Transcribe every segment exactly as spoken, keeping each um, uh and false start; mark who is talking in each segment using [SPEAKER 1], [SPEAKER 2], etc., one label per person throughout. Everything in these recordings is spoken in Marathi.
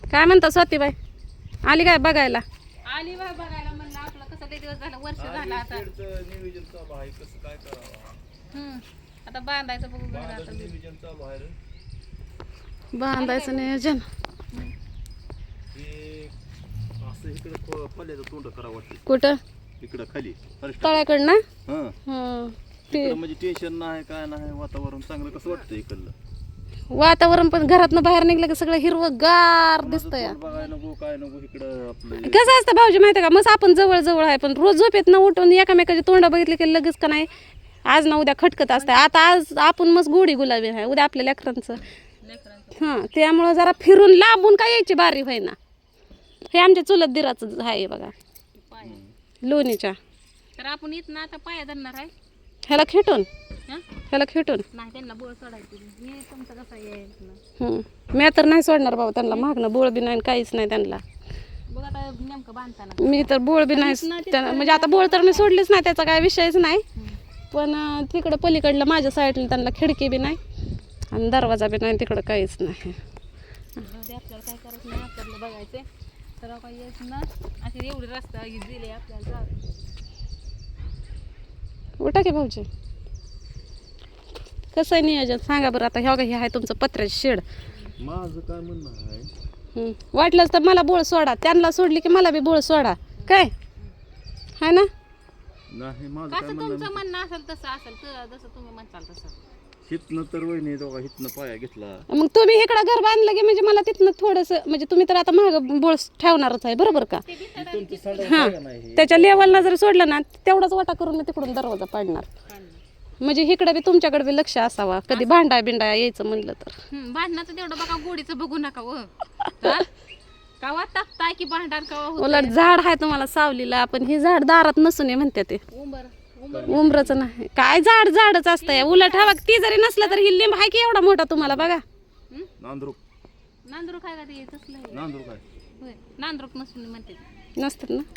[SPEAKER 1] काय म्हणता स्वातीबाई आली काय बघायला?
[SPEAKER 2] आली बाय बघायला म्हणलं आपलं कसं लय दिवस झालं वर्ष झालं आता.
[SPEAKER 3] नियोजन चालू आहे कसं काय करावं
[SPEAKER 2] हम्म आता बांधायचं बघू घर आता.
[SPEAKER 3] बांधायचं नियोजन चालू आहे रे.
[SPEAKER 1] बांधायचं नियोजन.
[SPEAKER 3] हे असं इकडे पल्ल्याचं तोंड करावं वाटतं
[SPEAKER 1] कुठं?
[SPEAKER 3] इकडं खाली
[SPEAKER 1] तळ्याकडं ना?
[SPEAKER 3] हां
[SPEAKER 1] हं. ते
[SPEAKER 3] इकडं म्हणजे टेन्शन नाही काय नाही वातावरण चांगलं कसं वाटतं इकडलं
[SPEAKER 1] वातावरण पण घरातनं बाहेर निघलं की सगळं हिरवंगार दिसतंय.
[SPEAKER 3] तोंड बघाय नको काय नको इकडं आपलं
[SPEAKER 1] कसं असतं भाऊजी माहिती का, मस्त आपण जवळ जवळ आहे पण रोज झोपेत न उठून एकामेकाची तोंड बघितली की लगेच का नाही आज ना उद्या खटकत असतं. आता आज आपण मस्त गोडी गुलाबी आहे, उद्या आपल्या लेकरांचं. हां त्यामुळं जरा फिरून लांबून काय यायची बारी व्हायना. हे आमच्या चुलत दिराचं आहे बघा लोणीच्या.
[SPEAKER 2] तर आपण इथं आता पाया धरणार आहे.
[SPEAKER 1] ह्याला खेटून
[SPEAKER 2] हं?
[SPEAKER 1] ह्याला खेटून
[SPEAKER 2] नाही त्यांना बोळ सोडायची. मी तुमचं कसं यायचं
[SPEAKER 1] हं. मी तर नाही सोडणार बाबा त्यांना, मागणं बोळ बी नाही काहीच नाही त्यांना.
[SPEAKER 2] बघ आता नेमकं बांधताना
[SPEAKER 1] मी तर बोळ बी नाही त्यांना, म्हणजे आता बोळ तर मी सोडलीच नाही, त्याचा काय विषयच नाही. पण अं, तिकडं पलीकडलं माझ्या साईडला त्यांना खिडकी बी नाही आणि दरवाजा बी नाही, तिकडं काहीच नाही.
[SPEAKER 2] आपल्याला काय करायचं नाही, आपल्याला बघायचंय तर काय यायचं ना असे एवढे रस्ता दिले आपल्याला.
[SPEAKER 1] उठा की भाऊजी, कसं आहे नियोजन सांगा बरं. आता ह्या हे आहे तुमचं पत्र्याचं शेड.
[SPEAKER 3] माझं काय म्हणणं आहे
[SPEAKER 1] हं. वाटलंच तर मला बोळ सोडा, त्यांना सोडली की मला बी बोळ सोडा काय आहे ना.
[SPEAKER 3] नाही माझं काय
[SPEAKER 2] कसं
[SPEAKER 3] म्हणणं
[SPEAKER 2] तुमचं म्हणणं असेल तसं असेल तर जसं तुम्ही म्हणताल तसं.
[SPEAKER 3] हितनं तर वहिनी दोघा हितनं पाया घेतला
[SPEAKER 1] मग तुम्ही इकडं घर बांधलं की म्हणजे मला तिथनं थोडंसं म्हणजे तुम्ही तर आता महाग बोळ ठेवणारच आहे बरोबर का.
[SPEAKER 3] तुमचं सांगा
[SPEAKER 1] हां
[SPEAKER 3] काय नाही
[SPEAKER 1] त्याच्या लेवलला जर सोडलं ना तेवढाच वाटा करून मी तिकडून दरवाजा पाडणार. म्हणजे इकडे बी तुमच्याकडे बी लक्ष असावा, कधी भांडा बिंडा यायचं म्हणलं तर.
[SPEAKER 2] हम्म, भांडणाचं तेवढं बघा, गोडीचं बघू नका व हा? कवा तापताय की भांडण कवा होतंय?
[SPEAKER 1] उलट झाड आहे तुम्हाला सावलीला, पण हे झाड दारात नसून आहे म्हणते ते.
[SPEAKER 2] उंबर उंबर
[SPEAKER 1] उमरच नाही काय झाड झाडच असतंय. उलट हवा ती जरी नसलं तर ही लिंब आहे की एवढा मोठा तुम्हाला बघा.
[SPEAKER 3] नांदरूक
[SPEAKER 2] नांदरूक काय का ते तसलं आहे?
[SPEAKER 3] नांदरूक आहे
[SPEAKER 2] होय नांदरूक नसून म्हणते ते.
[SPEAKER 1] नसतात ना.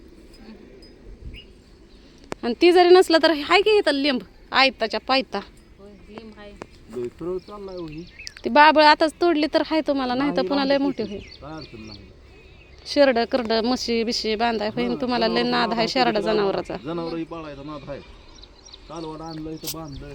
[SPEAKER 1] आणि ती जरी नसलं तर हाय की इथं लिंब आयताच्या पायता.
[SPEAKER 2] होय लिंब आहे.
[SPEAKER 3] लय सरळ चाललाय वहिनी
[SPEAKER 1] ती बाबळ आताच तोडली तर हाय तुम्हाला, नाही तर पुन्हा लय मोठी होईल.
[SPEAKER 3] काय अडचण नाही
[SPEAKER 1] शेरड करड म्हशी बिशी बांधाय होईल तुम्हाला. लय नाद आहे शेरड जनावराचा.
[SPEAKER 3] जनावरही पाळायचा नाद आहे. कालवड आणलंय तर बांधलंय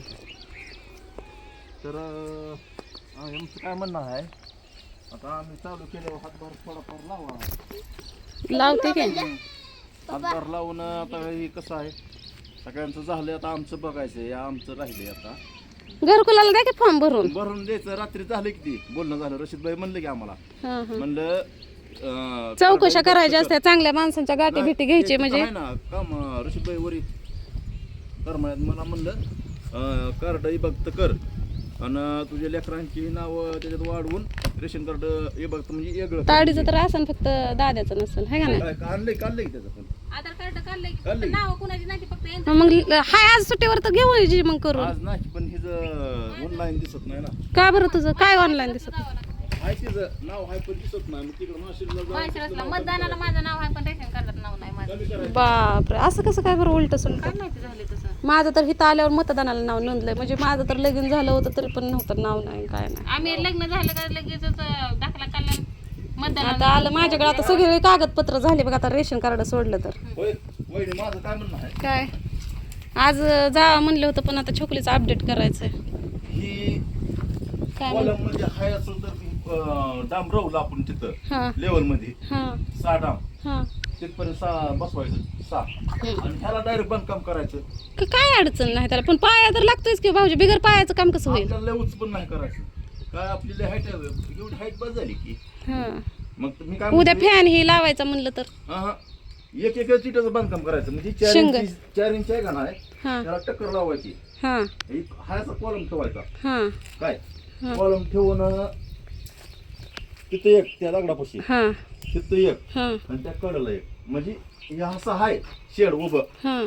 [SPEAKER 3] तर अं, आमचं काय म्हणणं आहे आता आम्ही चालू केल्यावर हातभार थोडाफार लावा.
[SPEAKER 1] लावते की
[SPEAKER 3] हातभार लावून आता हे कसं आहे सगळ्यांचं झालं आता आमचं बघायचंय आमचं राहिलंय आता
[SPEAKER 1] घरकुलाला द्या की फॉर्म भरून.
[SPEAKER 3] भरून द्यायचं. रात्री झालं किती बोलणं झालं रशीदबाई म्हणलं की आम्हाला
[SPEAKER 1] हां हां
[SPEAKER 3] म्हणलं अं,
[SPEAKER 1] चौकशा करायच्या असत्या चांगल्या माणसांच्या गाठी भेटी घ्यायची म्हणजे.
[SPEAKER 3] आहे ना काम रशीदबाई वरी करमाळ्यात मला म्हणलं कार्ड बघत कर आणि तुझ्या लेकरांची नावं त्याच्यात वाढवून रेशन कार्ड हे बघत म्हणजे वेगळं
[SPEAKER 1] ताडीचं तर असेल फक्त दाद्याचं नसेल है का नाही.
[SPEAKER 3] काय काढलंय काढलंय त्याचं पण
[SPEAKER 2] आधार कार्ड काढलंय की
[SPEAKER 3] काढलंय.
[SPEAKER 2] नाव कुणाची नाही ती फक्त यांचं.
[SPEAKER 1] मग हाय आज सुट्टीवर तर घेऊ जी मग करून.
[SPEAKER 3] आज नाही पण हिचं ऑनलाईन दिसत नाही ना.
[SPEAKER 1] का बरं तुझं काय ऑनलाईन दिसत.
[SPEAKER 3] आहे तिचं नाव आहे पण दिसत नाही मग तिकडं माशिरला
[SPEAKER 2] माळशिरसला मतदानाला माझं नाव आहे पण रेशन कार्डात नाव नाही माझं.
[SPEAKER 3] कमी करायचं.
[SPEAKER 1] बापरे असं कसं काय बरं उलट सुलट.
[SPEAKER 2] काय माहिती झाले तसं.
[SPEAKER 1] माझं तर इथं आल्यावर मतदानाला नाव नोंदलंय. म्हणजे माझं तर लगीन झालं होतं तरी पण नव्हतं नाव नाही काय नाही.
[SPEAKER 2] आम्ही लग्न झालं का लगेच दाखला काढला मतदानाला.
[SPEAKER 1] आता आलं माझ्याकडे आता सगळे कागदपत्र झाले बघा. आता रेशन कार्ड सोडलं तर
[SPEAKER 3] होय वहिनी माझं काय म्हणणं आहे
[SPEAKER 1] काय आज जा म्हणलं होतं पण आता छोकलीचं अपडेट करायचंय.
[SPEAKER 3] ही
[SPEAKER 1] काय
[SPEAKER 3] कॉलम म्हणजे हाय असं तर अं, डांब राहू आपण तिथं
[SPEAKER 1] हां
[SPEAKER 3] लेवल मध्ये
[SPEAKER 1] हां
[SPEAKER 3] सहा डांब
[SPEAKER 1] हां
[SPEAKER 3] तिथपर्यंत सहा बसवायचं सहा आणि ह्याला डायरेक्ट बांधकाम करायचं.
[SPEAKER 1] क- काय अडचण नाही त्याला, पण पाया तर लागतोयच की भाऊजी. बिगर पायाचं काम कसं होईल.
[SPEAKER 3] आपल्याला लय उंच पण नाही करायचं काय आपली हाईट एवढी हाईट बस झाली की
[SPEAKER 1] हां
[SPEAKER 3] मग मी काय
[SPEAKER 1] उद्या
[SPEAKER 3] म्हणतोय,
[SPEAKER 1] फॅन ही लावायचा म्हणलं तर
[SPEAKER 3] हा हा एक एक चिटाचं बांधकाम करायचं म्हणजे चार
[SPEAKER 1] शिंग.
[SPEAKER 3] इंच चार इंच आहे का नाही
[SPEAKER 1] हां
[SPEAKER 3] त्याला टक्कर लावायची.
[SPEAKER 1] हां
[SPEAKER 3] एक हायचा कॉलम ठेवायचा
[SPEAKER 1] हां
[SPEAKER 3] काय
[SPEAKER 1] हा.
[SPEAKER 3] कॉलम ठेवून तिथं एक त्या दगडापाशी
[SPEAKER 1] हां
[SPEAKER 3] तिथं एक
[SPEAKER 1] हां
[SPEAKER 3] आणि त्या कडेला एक म्हणजे हे असं आहे शेड उभं
[SPEAKER 1] हां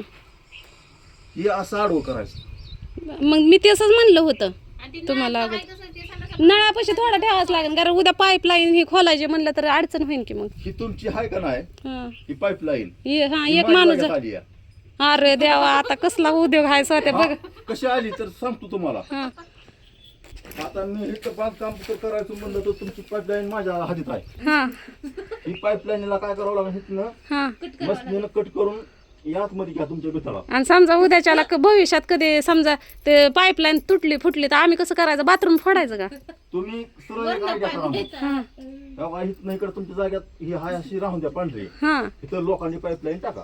[SPEAKER 3] हे असं आडवं करायचं.
[SPEAKER 1] मग मी तसंच म्हणलं होतं
[SPEAKER 2] आणि ती
[SPEAKER 1] तुम्हाला
[SPEAKER 2] नाव
[SPEAKER 1] अगोदर.
[SPEAKER 2] आहे तसं ते सांगा.
[SPEAKER 1] नळापाशी थोडा ठेवाच लागेल कारण उद्या पाईपलाईन ही खोलायची म्हणलं तर अडचण होईल की मग.
[SPEAKER 3] ही तुमची आहे का नाही
[SPEAKER 1] हां
[SPEAKER 3] ही पाईपलाईन
[SPEAKER 1] ये हां एक माणूस
[SPEAKER 3] आली आहे.
[SPEAKER 1] अरे देवा आता कसला उद्योग आहे स्वतः बघ.
[SPEAKER 3] कशी आली तर सांगतो तुम्हाला
[SPEAKER 1] हां
[SPEAKER 3] आता मी इथं बांधकाम तर करायचं म्हणलं तर तुमची पाईपलाईन माझ्या हातीत आहे.
[SPEAKER 1] हा
[SPEAKER 3] ही पाईपलाईनला काय करावं लागेल इथनं
[SPEAKER 1] हा
[SPEAKER 3] मशीनीनं कट करून यात मध्ये घ्या तुमच्या भितळा.
[SPEAKER 1] आणि समजा उद्याच्याला क- भविष्यात कधी समजा ते पाईपलाईन तुटली फुटली तर आम्ही कसं करायचं बाथरूम फोडायचं का?
[SPEAKER 3] तुम्ही सरळ एक आयडिया करा मग.
[SPEAKER 1] हा
[SPEAKER 3] तेव्हा इथनं इकडे तुमच्या जाग्यात ही हाय अशी राहून द्या पांढरी,
[SPEAKER 1] हा
[SPEAKER 3] इथं लोकांनी पाईपलाईन टाका.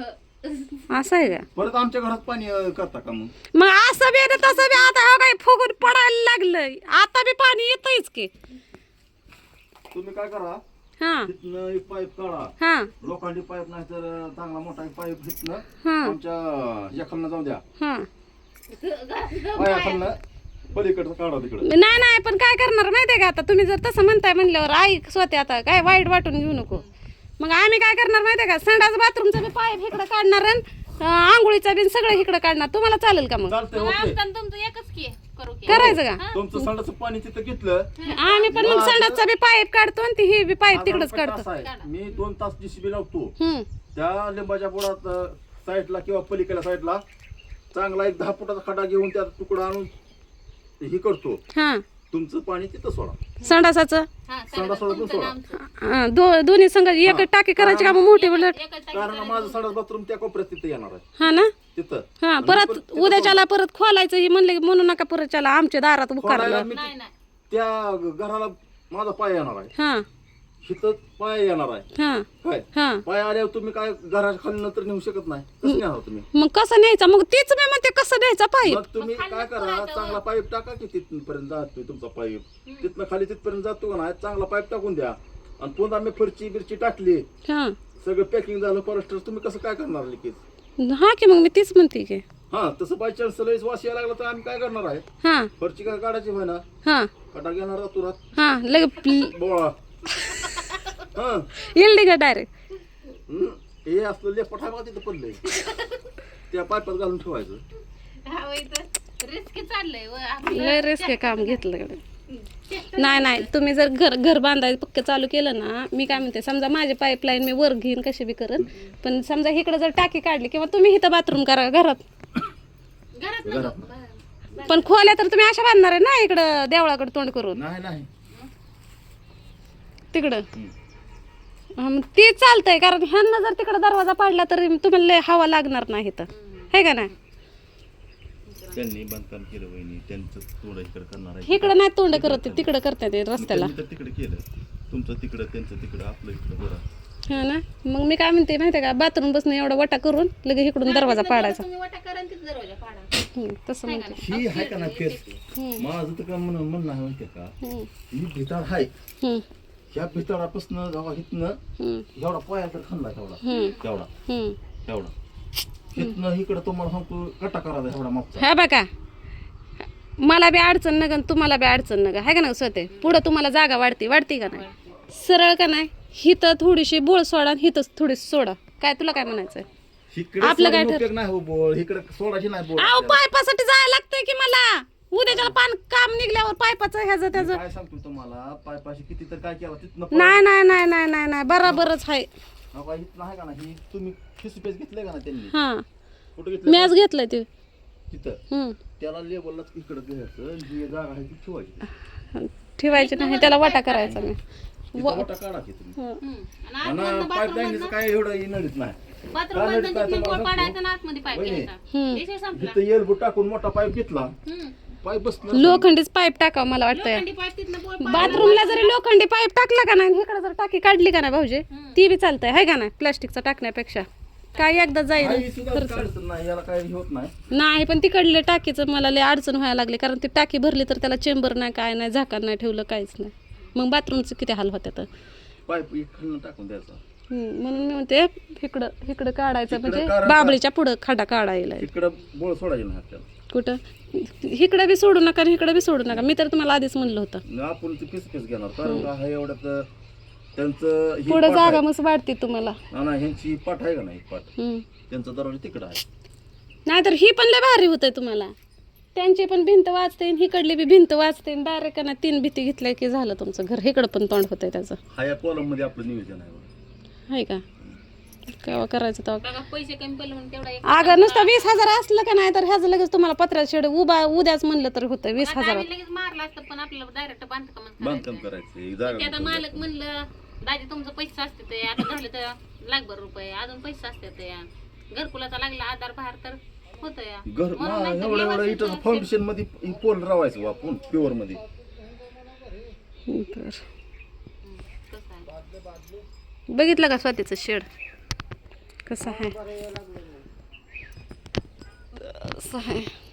[SPEAKER 1] असं आहे का?
[SPEAKER 3] परत आमच्या घरात पाणी अं, करता का मग?
[SPEAKER 1] मग असं बी आणि तसं बी आता हो काय फुगून पडायला लागलंय आता बी पाणी येतंयच की.
[SPEAKER 3] तुम्ही काय करा,
[SPEAKER 1] हा
[SPEAKER 3] तिथनं एक पाईप काढा,
[SPEAKER 1] हा
[SPEAKER 3] लोखंडी पाईप नाही तर चांगला मोठा एक पाईप तिथनं
[SPEAKER 1] हा
[SPEAKER 3] आमच्या ह्या खालनं जाऊ द्या,
[SPEAKER 1] हा
[SPEAKER 3] पाया खालनं पलीकडचं काढा तिकडं.
[SPEAKER 1] नाही नाही पण काय करणार माहितीये का, आता तुम्ही जर तसं म्हणताय म्हणल्यावर आई स्वतः आता काय वाईट वाटून घेऊ नको. मग आम्ही काय करणार माहितीये का, संडास बाथरूमचा बी पाईप इकडं काढणार आणि अं, आंघोळीचा बी सगळं इकडं काढणार. तुम्हाला चालेल का? मग
[SPEAKER 3] चालतंय
[SPEAKER 2] मग
[SPEAKER 3] ओके.
[SPEAKER 2] आमचं आणि तुमचं एकच की करू की.
[SPEAKER 1] करायचं का?
[SPEAKER 3] तुमचं संडाचं पाणी तिथं घेतलं.
[SPEAKER 1] आम्ही पण मग संडासचा बी पाईप काढतो आणि ती ही बी पाईप तिकडच
[SPEAKER 3] आता
[SPEAKER 1] काढतो.
[SPEAKER 3] कसं आहे, मी दोन तास जीसीबी लावतो
[SPEAKER 1] हम्म
[SPEAKER 3] त्या लिंबाच्या बुडात साईडला किंवा पलीकडल्या साईडला चांगला एक दहा फुटाचा खड्डा घेऊन त्यात तुकडा आणून हे करतो.
[SPEAKER 1] हा
[SPEAKER 3] तुमचं पाणी तिथं सोडा,
[SPEAKER 1] संडासाचं
[SPEAKER 2] हा,
[SPEAKER 3] संडास सोडा
[SPEAKER 2] तुमचं
[SPEAKER 3] सोडा.
[SPEAKER 2] आमचं.
[SPEAKER 1] अं, दो दोन्ही संघ एक टाकी करायची का मग मोठी उलट?
[SPEAKER 2] एकच टाकी
[SPEAKER 3] कारण माझं संडास बाथरूम त्या कोपऱ्यात तिथं येणार आहे
[SPEAKER 1] हा ना
[SPEAKER 3] तिथं.
[SPEAKER 1] हा परत उद्याच्याला परत खोलायचं ही म्हणले की म्हणू नका परतच्याला आमच्या दारात
[SPEAKER 3] खोलायला
[SPEAKER 1] उकारलं.
[SPEAKER 3] मी
[SPEAKER 2] नाही नाही
[SPEAKER 3] त्या घराला माझा पाय येणार आहे,
[SPEAKER 1] हा
[SPEAKER 3] हिथं पाय येणार आहे.
[SPEAKER 1] हा
[SPEAKER 3] काय
[SPEAKER 1] हा
[SPEAKER 3] पाय आल्यावर तुम्ही काय घराच्या खाली नंतर नेऊ शकत नाही, कसं नेणार तुम्ही?
[SPEAKER 1] मग कसं न्यायचं? मग तीच मी म्हणते कसं न्यायचा पाईप?
[SPEAKER 3] मग तुम्ही काय करा, चांगला पाईप टाका की तिथपर्यंत जातोय तुमचा पाईप, तिथनं खाली तिथपर्यंत जातो का नाही, चांगला पाईप टाकून द्या. आणि पुन्हा मी फरची बिरची टाकली,
[SPEAKER 1] हा
[SPEAKER 3] सगळं पॅकिंग झालं परस्टर, तुम्ही कसं काय करणार लिकेज?
[SPEAKER 1] हा की मग मी तीच म्हणते की.
[SPEAKER 3] हा तसं बाय चान्स लईच वास यायला लागला तर आम्ही काय करणार आहे,
[SPEAKER 1] हा
[SPEAKER 3] फरची काय काढायची होय ना,
[SPEAKER 1] हा
[SPEAKER 3] कटा घेणार तुरात
[SPEAKER 1] हा लगे
[SPEAKER 3] बोळा. हा
[SPEAKER 1] येईल का डायरेक्ट?
[SPEAKER 3] हम्म. हे असलं लेपट आहे बघा तिथं पडलंय, त्या पाईपात घालून ठेवायचं.
[SPEAKER 2] हा, वय तर रिस्क चाललंय व आपलं.
[SPEAKER 1] लय रिस्क काम घेतलं कडे. नाही नाही तुम्ही जर घर घर बांधायचं पक्क चालू केलं ना, मी काय म्हणते समजा माझी पाईपलाईन मी वर घेईन कशी बी करेन, पण समजा इकडे जर टाकी काढली किंवा तुम्ही इथं बाथरूम करा घरात,
[SPEAKER 2] घरात नको. बरं.
[SPEAKER 1] पण खोल्या तर तुम्ही अशा बांधणार आहे ना इकडं देवळाकडे तोंड करून
[SPEAKER 3] नाही नाही
[SPEAKER 1] तिकडं. हा, मग ते चालतंय कारण ह्यांना जर तिकडं दरवाजा पाडला तर तुम्हाला लय हवा लागणार नाही तर है का नाही?
[SPEAKER 3] त्यांनी बांधकाम केलं वहिनी, त्यांचं थोडं इकडे करणार आहे.
[SPEAKER 1] इकडं नाही तोंड करत ते, तिकडं करतात ते रस्त्याला.
[SPEAKER 3] त्यांनी तर तिकडे केलं, तुमचं तिकडं त्यांचं तिकडं आपलं इकडं बरं.
[SPEAKER 1] हा ना, मग मी काय म्हणते माहिती का, बाथरूम बसणं एवढा वटा करून लगेच इकडून दरवाजा पाडायचा.
[SPEAKER 2] तुम्ही वाटा करा आणि तिथं दरवाजा पाडा.
[SPEAKER 1] हम्म, तसं म्हणते.
[SPEAKER 3] ही आहे का ना फेस, माझं तर काय म्हणणं म्हणणं आहे माहितीये का,
[SPEAKER 1] हम्म,
[SPEAKER 3] ही भिताड आहे,
[SPEAKER 1] हम्म,
[SPEAKER 3] ह्या भिताडापासून जेव्हा इथनं
[SPEAKER 1] हम्म,
[SPEAKER 3] एवढा पाया तर खाल्ला तेवढा
[SPEAKER 1] हम्म,
[SPEAKER 3] तेवढा
[SPEAKER 1] हम्म.
[SPEAKER 3] तेवढा इथनं इकडं तुम्हाला सांगतो कटा करायचा एवढा मागचा.
[SPEAKER 1] हा बघा, मला बी अडचण नका तुम्हाला बी अडचण नका, आहे का ना स्वतः पुढं तुम्हाला जागा वाढते वाढते का नाही? सरळ का नाही, हिथं थोडीशी बोळ सोडा आणि हिथंच थोडीशी सोडा. काय तुला काय म्हणायचं?
[SPEAKER 3] इकडे
[SPEAKER 1] आपलं काय
[SPEAKER 3] सोडून उपयोग नाही हो बोळ, इकडे सोडायची नाही बोळ.
[SPEAKER 1] अहो पायपासाठी जायला लागतंय की मला, उद्याच्याला पान काम निघल्यावर पायपाचं ह्याचं त्याचं.
[SPEAKER 3] काय सांगतो तुम्हाला, पायपाशी किती तर काय केला तिथनं
[SPEAKER 1] नाही नाही नाही नाही नाही नाही बराबरच आहे.
[SPEAKER 3] हा, इथनं आहे का ना, ही तुम्ही फिस पेस घेतलंय का ना त्यांनी,
[SPEAKER 1] हा
[SPEAKER 3] कुठं घेतलं
[SPEAKER 1] मॅच घेतलंय ते.
[SPEAKER 3] तिथं,
[SPEAKER 1] हम्म.
[SPEAKER 3] त्याला लेबललाच इकडं घ्यायचं आणि जी जागा आहे ती ठेवायची,
[SPEAKER 1] ठेवायची नाही, त्याला वाटा करायचा मी.
[SPEAKER 3] तिथं वाटा काढा की तुम्ही.
[SPEAKER 1] हं.
[SPEAKER 2] हम्म. आणि
[SPEAKER 3] आणि पाईपलाईनचं काय एवढं नडीत नाही,
[SPEAKER 2] बाथरूम
[SPEAKER 3] काय
[SPEAKER 2] बंद
[SPEAKER 3] नडीत नाही
[SPEAKER 2] बोळ
[SPEAKER 3] तुम्हाला
[SPEAKER 2] पाडायचा आणि आतमध्ये पाईप
[SPEAKER 3] वहिनी.
[SPEAKER 2] घ्यायचा.
[SPEAKER 1] हम्म.
[SPEAKER 2] विषय संपला.
[SPEAKER 3] तिथं एल्बो टाकून मोठा पाईप घेतला,
[SPEAKER 2] हम्म.
[SPEAKER 3] पाईप बसला
[SPEAKER 1] लोखंडीच पाईप टाकावं मला वाटतंय.
[SPEAKER 2] लोखंडी पाईप तिथनं बोळ पाड-
[SPEAKER 1] बाथरूमला जरी लोखंडी पाईप टाकला का नाही, इकडे जर टाकी काढली का नाही भाऊजी, ती बी चालतंय है का नाही? प्लास्टिकचा टाकण्यापेक्षा काय एकदा जाईल
[SPEAKER 3] काही सुद्धा काय अडचण नाही, याला काही होत नाही.
[SPEAKER 1] नाही. पण तिकडले टाकीचं मला लय अडचण व्हायला लागली, कारण ती टाकी भरली तर त्याला चेंबर नाही, काय नाही, झाकण नाही ठेवलं, काहीच नाही. मग बाथरूमचं किती हाल होत्यात.
[SPEAKER 3] पाईप इकडनं टाकून द्यायचा,
[SPEAKER 1] हम्म, म्हणून मी म्हणते इकडं इकडं काढायचं,
[SPEAKER 3] इकडं
[SPEAKER 1] म्हणजे
[SPEAKER 3] कारण-
[SPEAKER 1] बाबळीच्या पुढं खडा काढायला.
[SPEAKER 3] इकडं बोळ सोडायचे नाही आपल्याला,
[SPEAKER 1] कुठं इकडं बी सोडू नका आणि इकडं बी सोडू नका. मी तर तुम्हाला आधीच म्हणलं होतं,
[SPEAKER 3] आणि आपण ते पीस पीस घेणार, कारण का आहे एवढ्यात त्यांचं ही
[SPEAKER 1] पुढं
[SPEAKER 3] पाट
[SPEAKER 1] जागा
[SPEAKER 3] आहे.
[SPEAKER 1] मस्त वाढते तुम्हाला.
[SPEAKER 3] ना ना, ह्यांची पाठ आहे का नाही पाठ,
[SPEAKER 1] हम्म.
[SPEAKER 3] त्यांचा दरवाजा तिकडं आहे.
[SPEAKER 1] नाहीतर ही पण लय भारी होतंय तुम्हाला, त्यांची पण भिंत वाचते आणि हिकडली बी भिंत वाचते, डायरेक्ट ना तीन भीती घेतल्या की झालं तुमचं घर. इकडं पण तोंड होतंय त्याचं,
[SPEAKER 3] हा या कॉलम मध्ये आपलं नियोजन आहे बघा.
[SPEAKER 1] आहे का? केव्हा करायचं तेव्हा.
[SPEAKER 2] बघा पैसे कमी पडले म्हणून तेवढा एक
[SPEAKER 1] अगं नुसतं वीस हजार असलं का नाही तर ह्याचं लगेच तुम्हाला पत्र्याचं शेड उभा उद्याच म्हणलं तर होतं वीस
[SPEAKER 2] आता
[SPEAKER 1] हजारात.
[SPEAKER 2] आम्ही लगेच मारला असतं पण आपल्याला डायरेक्ट बांधकाम
[SPEAKER 3] बांधकाम करायचं एक जागा
[SPEAKER 2] ते आता मालक म्हणलं दाजी तुमचं पैसे असते ते आता झालं तर लाखभर रुपये अजून पैसे असते ते घरकुलाचा लागला आधार बाहेर तर होतं या
[SPEAKER 3] घर
[SPEAKER 2] म्हणून नाही तर
[SPEAKER 3] एवढं एवढं
[SPEAKER 2] व्यवस्थित
[SPEAKER 3] इथं फाउंडेशन मध्ये पोल रावायचं आपण प्युअर मध्ये
[SPEAKER 1] बरं.
[SPEAKER 2] हम्म, कसं आहे
[SPEAKER 1] बघितलं का स्वातीचं शेड कसं आहे असं आहे